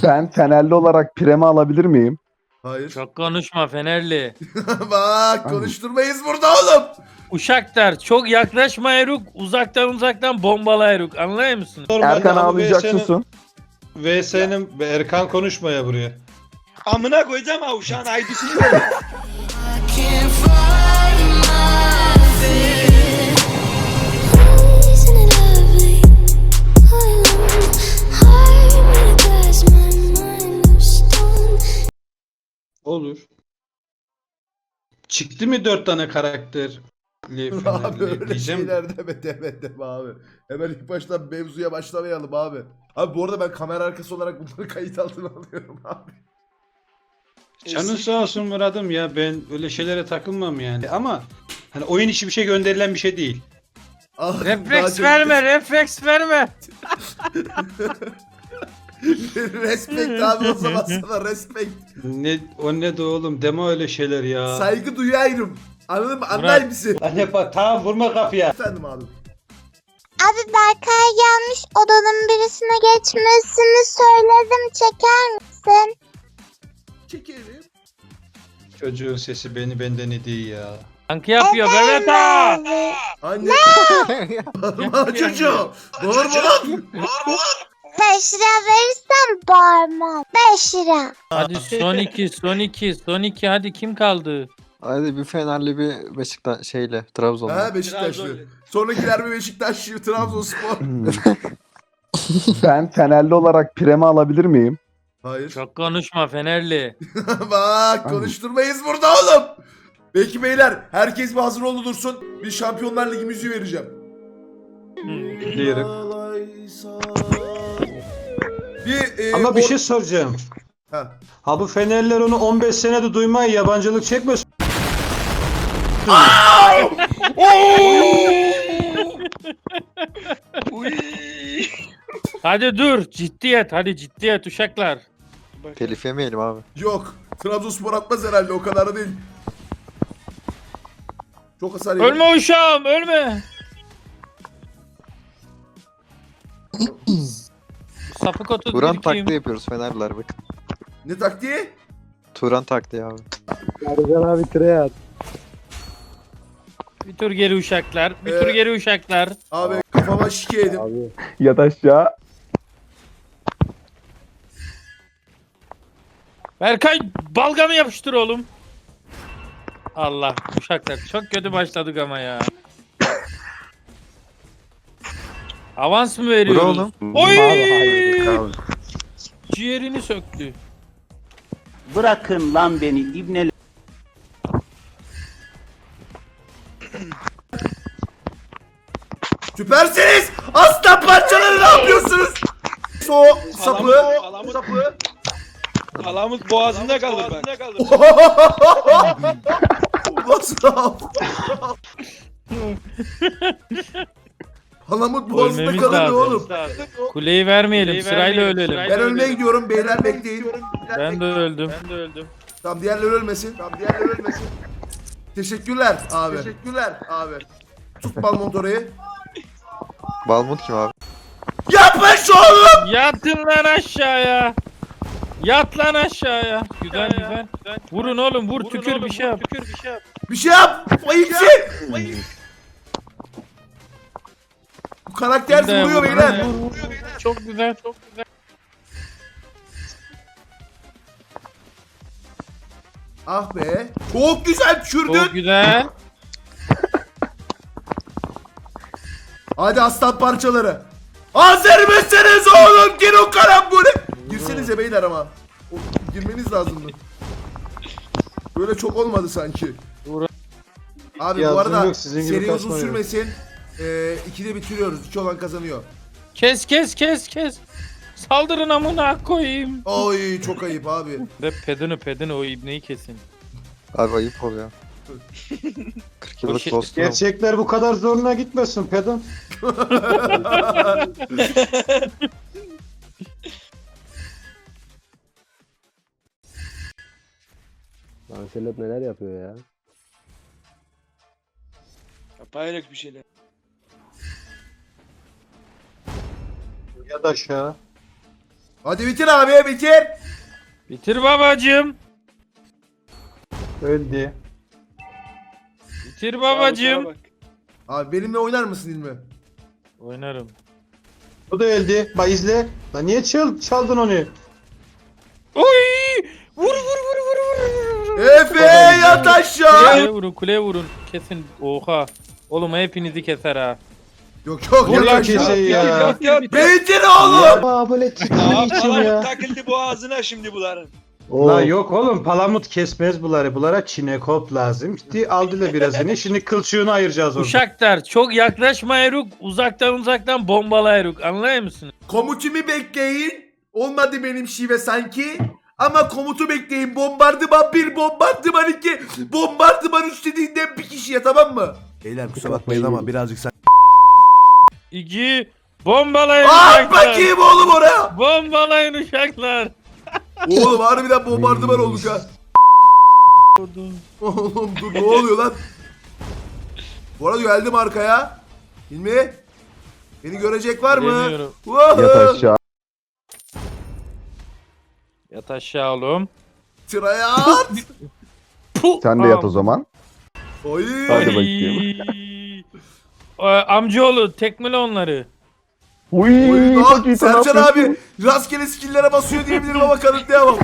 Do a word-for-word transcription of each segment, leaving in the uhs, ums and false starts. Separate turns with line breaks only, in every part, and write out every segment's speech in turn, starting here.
Ben Fenerli olarak premi alabilir miyim?
Hayır.
Çok konuşma Fenerli.
Bak konuşturmayız burada oğlum.
Uşaklar çok yaklaşma Eruk. Uzaktan uzaktan bombala Eruk. Anlıyor musun?
Erkan ağlayacak susun.
V S'nin Erkan konuşmaya buraya.
Amına koyacağım ha uşağın aydısını.
Olur. Çıktı mı dört tane karakterli
Abi
Fenerli
öyle
diyeceğim.
şeyler deme deme deme abi. Hemen ilk baştan mevzuya başlamayalım abi. Abi bu arada ben kamera arkası olarak bunları kayıt altına alıyorum abi.
Canın sağ olsun Murat'ım ya, ben öyle şeylere takılmam yani. Ama hani oyun içi bir şey gönderilen bir şey değil.
Ah, daha
Refleks
çok-
verme, refleks verme.
Respekt abi o zaman sana respekt.
Ne o ne de oğlum, deme öyle şeyler ya.
Saygı duyuyorum. Anladın mı? Anlar mısın?
Anne bak, tamam vurma kapıya.
Efendim abi.
Abi Berkay gelmiş, odanın birisine geçmesini söyledim, çeker misin?
Çekelim.
Çocuğun sesi beni benden iyi ya.
Yankı yapıyor Mehmet ağa.
Abi.
Anne. Bağırma çocuğu. Bağırma lan.
Beş lira verirsem bağırmam. Beş lira.
Hadi son iki, son iki, son iki. Hadi kim kaldı?
Hadi bir Fenerli bir Beşiktaş şeyle Trabzon'la.
Ha Beşiktaşlı. Sonrakiler bir Beşiktaşlı, Trabzonspor.
Ben Fenerli olarak premi alabilir miyim?
Hayır.
Çok konuşma Fenerli.
Bak konuşturmayız burada oğlum. Peki beyler herkes bir hazır oldu dursun. Bir Şampiyonlar Ligi müziği vereceğim.
Biliyorum.
Bir, e,
Ama bir
or-
şey soracağım.
Ha.
Ha bu Fenerliler onu on beş senede duymaya yabancılık çekmesin.
Hadi dur, ciddiyet. Hadi ciddiyet uşaklar.
Telif yemeyelim abi.
Yok. Trabzonspor atmaz herhalde o kadar da değil. Çok hasar yedim.
Ölme uşağım, ölme. Sapık otu
Turan
kim?
taktiği yapıyoruz Fenerliler bakın.
Ne taktiği?
Turan taktiği abi.
Bir tur geri uşaklar. Bir
Ee,
tur geri uşaklar.
Abi kafama şike yedim.
Ya da aşağı.
Berkay balgamı yapıştır oğlum. Allah uşaklar çok kötü başladık ama ya. Avans mı
Vur
veriyoruz?
oğlum.
Oy!
Abi.
Ciğerini söktü.
Bırakın lan beni ibne.
Süpersiniz. Aslan parçaları ne yapıyorsunuz? So sapı.
Kalamız, sapı. Kalamız boğazında kalır bak.
Nasıl? Halamut boğazında
Ölmemiz
kalırdı
lazım.
oğlum.
Kuleyi vermeyelim, sırayla ölelim.
Ben ölmeye gidiyorum beyler bekleyin.
Ben de öldüm. Ben de öldüm.
Tamam diğerleri ölmesin. Tamam diğerleri ölmesin. Teşekkürler abi. Teşekkürler abi. Tut Balmont orayı.
Balmut kim abi?
Yapış oğlum.
Yatın lan aşağıya. Yat lan aşağıya. Güzel güzel. Vurun oğlum, vur tükür bir şey yap. Tükür bir şey yap.
Bir şey yap. Bayıkçı. Bu karakter
Bir de
vuruyor
vur,
beyler.
vur, vur, vur. Çok güzel, çok güzel.
Ah be. Çok güzel düşürdün.
Çok güzel.
Hadi aslan parçaları. Hazır mısınız oğlum? Gir o karambole. Girsenize beyler ama. O, girmeniz lazımdı. Böyle çok olmadı sanki.
Vur.
Abi bu
Yazdım
arada
yok, sizin gibi
seri uzun
kasmayın.
sürmesin. Ee, ikide bitiriyoruz. İki olan kazanıyor.
Kes kes kes kes. Saldırın amına koyayım.
Oy çok ayıp abi.
Ve pedini pedini o ibneyi kesin.
Abi ayıp oluyor. kırk yıllık
şey-
dostum.
Gerçekler bu kadar zoruna gitmesin pedon.
Anselot neler yapıyor ya?
Paylaşık bir şeyler.
Ya da aşağı.
Hadi bitir abi bitir.
Bitir babacım.
Öldü.
Bitir babacım.
Bak.
Abi benimle oynar mısın İlmi?
Oynarım.
O da öldü. Bak izle. Lan niye çal çaldın onu?
Oy! Vur vur vur vur vur.
Efe yat aşağı.
Kuleye vurun, kuleye vurun. Kesin. Oha. Oğlum hepinizi keser ha.
Yok yok
Vur
yat
lan
aşağı.
keseyi ya.
Yat yat.
Bitir oğlum.
Aa böyle
Aa,
titriği için
palamut
ya.
takıldı boğazına şimdi bunların.
La yok oğlum palamut kesmez bunları. Bunlara çinekop lazım. Gitti aldılar birazını. Şimdi kılçığını ayıracağız orada.
Uşaklar çok yaklaşma Eruk. Uzaktan uzaktan bombala Eruk. Anlıyor musun?
Komutumu bekleyin. Olmadı benim şive sanki. Ama komutu bekleyin. Bombardıman bir, bombardıman iki, bombardıman üç dediğinde bir kişiye, tamam mı? Beyler kusura bakmayın ama birazcık sen...
İki. Bombalayın
At
uşaklar.
bakayım oğlum oraya.
Bombalayın uşaklar.
Oğlum harbiden bombardıman olduk ha. Oğlum dur, ne oluyor lan? Bu arada geldim arkaya. Hilmi. Beni görecek var mı?
Geliyorum.
Wow.
Yat aşağı.
Yat aşağı oğlum.
Sıraya at.
Puh,
Sen de yat o
am-
zaman.
Oy.
Hadi
Ay.
bakayım.
Ee, amcaoğlu tekmele onları.
Uy,
Oy,
çok
lan
iyi.
Sercan abi rastgele skill'lere basıyor diyebilirim ama kanıtlayamam.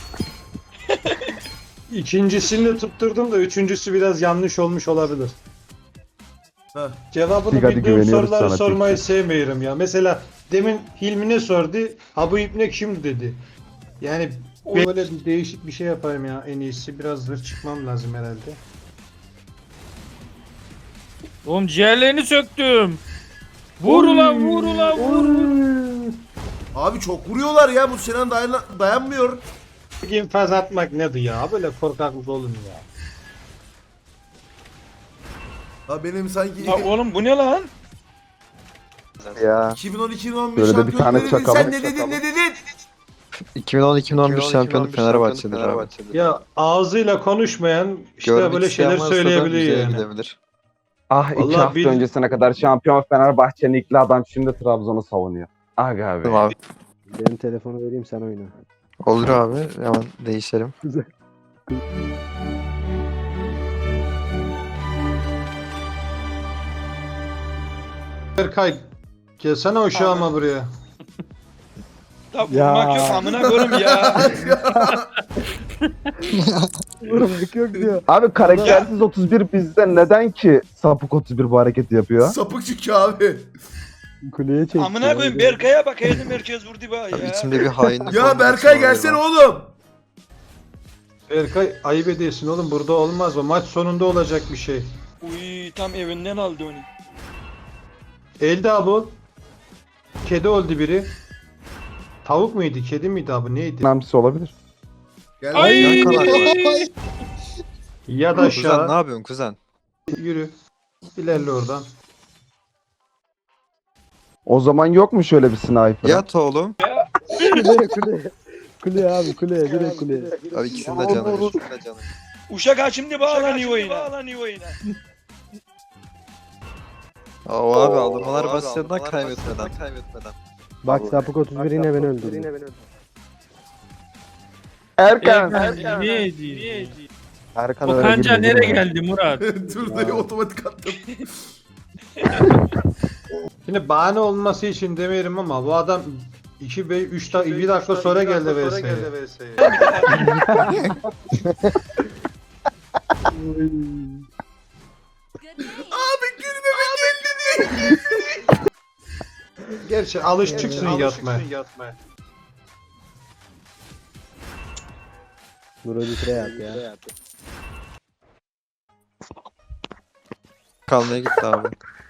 İkincisini de tutturdum da üçüncüsü biraz yanlış olmuş olabilir.
Heh.
Cevabını
Hadi, hadi,
bildiğim
güveniyoruz
soruları
sana,
sormayı
Tilki.
sevmiyorum ya. Mesela demin Hilmi'ne sordu. Ha bu ipne kim dedi. Yani böyle bir değişik bir şey yapayım ya en iyisi. Biraz zırh çıkmam lazım herhalde.
Oğlum ciğerlerini söktüm. Vur ulan vur ulan vur.
Abi çok vuruyorlar ya, bu Sinan dayan dayanmıyor.
İnfaz atmak nedir ya? Böyle korkaklık olur mu ya?
Ha benim sanki
Ya oğlum bu ne lan?
Ya.
iki bin on iki bin on bir
Böyle de bir
şampiyonu
tane
ne dedin?
çakalım.
Sen ne dedin ne dedin?
iki bin on iki bin on bir şampiyonu Fenerbahçe'dir abi.
Ya ağzıyla konuşmayan işte
Görmek
böyle
isteyen
şeyler
varsa da
söyleyebiliyor
müzeye
yani.
gidebilir.
Ah iki
Vallahi
hafta
bil-
öncesine kadar şampiyon Fenerbahçe Nikli adam şimdi Trabzon'u savunuyor. Aga abi.
Tamam abi.
Benim telefonu vereyim sen oyna.
Olur abi. Hemen değişelim.
Berkay gelsene uşağıma buraya.
Ya
Ya.
vurmak yok amına koyayım ya.
Vurmak yok diyor.
Abi karaktersiz otuz bir bizde neden ki sapık otuz bir bu hareketi yapıyor?
Sapık çünkü abi.
Kuleye çekti.
Amına koyayım Berkay'a bak haydi merkez vurdu bana
Abi
ya.
içimde bir hainlik
Ya
olmak
Berkay
için
gelsene
oluyor.
oğlum.
Berkay ayıp ediyorsun oğlum burada olmaz o maç sonunda olacak bir şey.
Uy tam evinden aldı onu.
Elde abi. Kedi oldu biri. Tavuk muydu kedi miydi abi neydi?
Önemlisi olabilir.
Gel
Ay.
lan.
Yan kanal.
Ya da
Kuzen ne
aşağı
yapıyorsun kuzen?
yürü. İlerle oradan.
O zaman yok mu şöyle bir sniper?
Yat oğlum.
Kuleye kuleye. Kuleye abi kuleye direkt kuleye.
Abi ikisinin de canı. ikisinin de canı.
Uşak ha şimdi bağlanıyor oyuna. Bağlanıyor oyuna.
Aa, o abi alınmalar basitinden kaybetmeden. kaybetmeden.
Bak sapık otuz bir yine beni öldürdü.
Erkan.
Erkan, niye ediyor?
Erkan
O
öyle
kanca
girmedi
nereye
mi?
geldi Murat?
Dur dayı otomatik attım.
Şimdi bahane olması için demiyorum ama bu adam iki ve üç dakika bir dakika sonra geldi V S'ye.
Abi gülmeme geldi diye.
Gerçi alışıksın yatmaya.
Nuro Dikre yap ya.
Kalmaya gitti abi.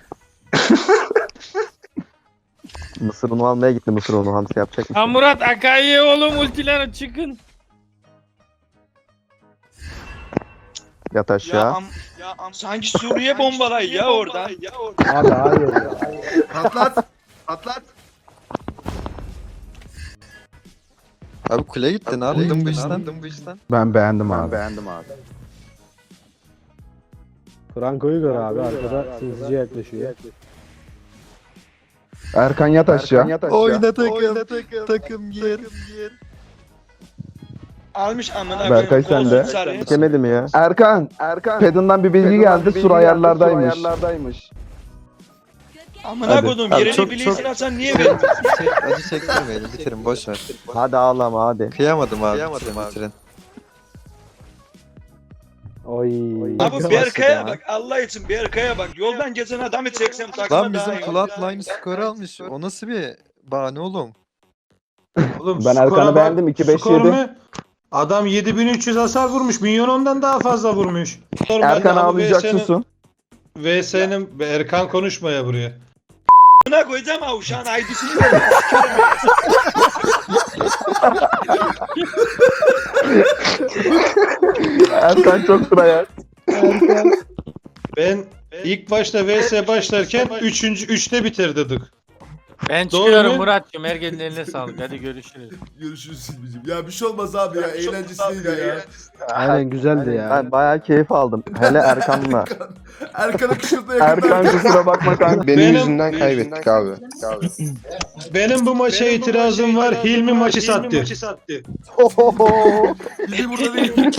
Mısır unu almaya gitti Mısır unu hamsi yapacak
Ha Murat Akai'ye oğlum ultiler çıkın.
Yat
Ya
aşağı.
am, ya am, sanki Suriye bombalay ya oradan. Ya oradan.
Abi hayır ya.
Patlat. Patlat.
Abi kule gitti ne yaptın bu işten? bu işten?
Ben beğendim abi. beğendim abi.
Franco'yu gör abi arkada sinsice yaklaşıyor.
Erkan yat aşağı.
Oyna takım. Takım gir.
Almış amına
Berkay
koyayım,
sen de.
kolsuz sarı.
Çekemedi mi ya?
Erkan. Erkan. Pedin'den bir bilgi geldi. Sur ayarlardaymış.
Amına
Hadi.
koydum
Abi
yerini
çok-
biliyorsun
çok-
Hasan niye verdin?
Çek- Acı çektirmeyin. Bitirin boş ver.
Hadi ağlama hadi.
Kıyamadım abi. Bitirin, bitirin.
Oy.
Abi Berkay'a bak Allah için Berkay'a bak. Yoldan geçen adamı çeksem takıma
Lan
daha
bizim
iyi.
Flatline skor almış. O nasıl bir bahane oğlum?
Oğlum,
Ben
skora
Erkan'ı
bak,
beğendim, iki beş
skor
yedi.
mu? Adam yedi bin üç yüz hasar vurmuş. Milyon ondan daha fazla vurmuş.
Erkan ağlayacak susun.
V S'nin Erkan konuşmaya buraya.
Buna koyacağım ha uşağın aydısını ver.
Erkan çok sıraya.
Ben ilk başta V S başlarken üçüncü üçte bitirdik.
Ben
Doğru
çıkıyorum
mu?
Murat'cığım. Herkesin eline sağlık. Hadi görüşürüz.
Görüşürüz Silvi'cim. Ya bir şey olmaz abi ya. Eğlencesiydi ya.
Aynen güzeldi ya.
Ben bayağı keyif aldım. Hele Erkan'la.
Erkan'a kışırtma yakında.
Erkan kusura bakma kanka.
Benim,
Benim-
yüzümden kaybettik abi.
Benim bu maça itirazım var. Hilmi maçı sattı.
Bizi burada değil.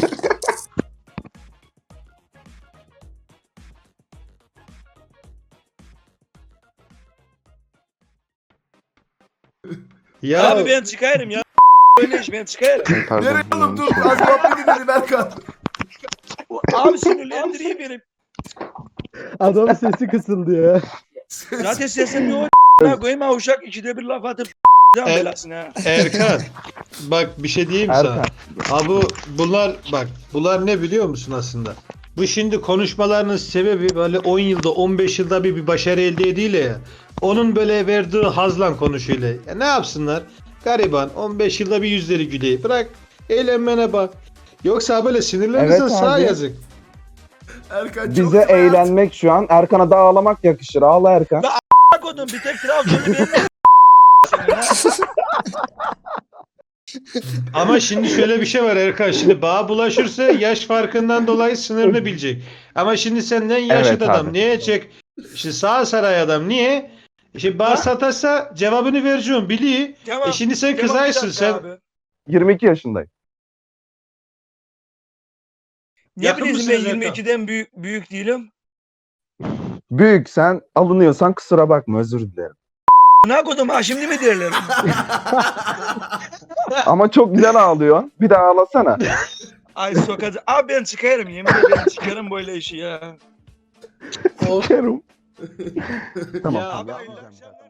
Ya
Abi ben çıkarım ya. Böyle iş ben çıkarım.
Pardon.
Nereye oğlum dur.
yanlış
Az muhabbet edelim Erkan.
Abi sinirlendiriyor beni.
Adamın sesi kısıldı ya.
Zaten sesim yok. Ne koyayım ha uşak ikide bir laf atıp can
Er-
belasını ha.
Erkan bak bir şey diyeyim sana.
Erkan.
Ha bu bunlar bak bunlar ne biliyor musun aslında? Bu şimdi konuşmalarının sebebi böyle on yılda on beş yılda bir, bir başarı elde ediyle ya. Onun böyle verdiği hazlan konuşuyla. Ya ne yapsınlar? Gariban on beş yılda bir yüzleri gülüyor. Bırak eğlenmene bak. Yoksa böyle sinirlenirsen
Evet
sağ
abi.
yazık.
Erkan çok
Bize
sıraya.
eğlenmek şu an. Erkan'a da ağlamak yakışır. Ağla Erkan.
Bak oğlum bir tek Trabzon'u benim.
Ama şimdi şöyle bir şey var Erkan. Şimdi bağa bulaşırsa yaş farkından dolayı sınırını bilecek. Ama şimdi senden yaşlı
Evet
adam.
abi.
Niye çek? Şimdi sağ saray adam. Niye? Şimdi bağ satarsa cevabını vereceğim. Biliyor.
Tamam.
E şimdi sen
Tamam, bir
kızaysın.
dakika
Sen
abi.
yirmi iki yaşındayım.
Ne
Yakın
bileyim ben
mısınız
yirmi
Erkan?
ikiden büyük büyük değilim.
Büyük sen alınıyorsan kusura bakma özür dilerim.
Ne koydum ha şimdi mi derler?
Ama çok güzel ağlıyorsun. Bir daha ağlasana.
Ay sokacı. Abi ben çıkarım yemin ederim çıkarım böyle işi ya.
Sikerim. Tamam.
Ya
Abi
abi,
hayırlı akşamlar.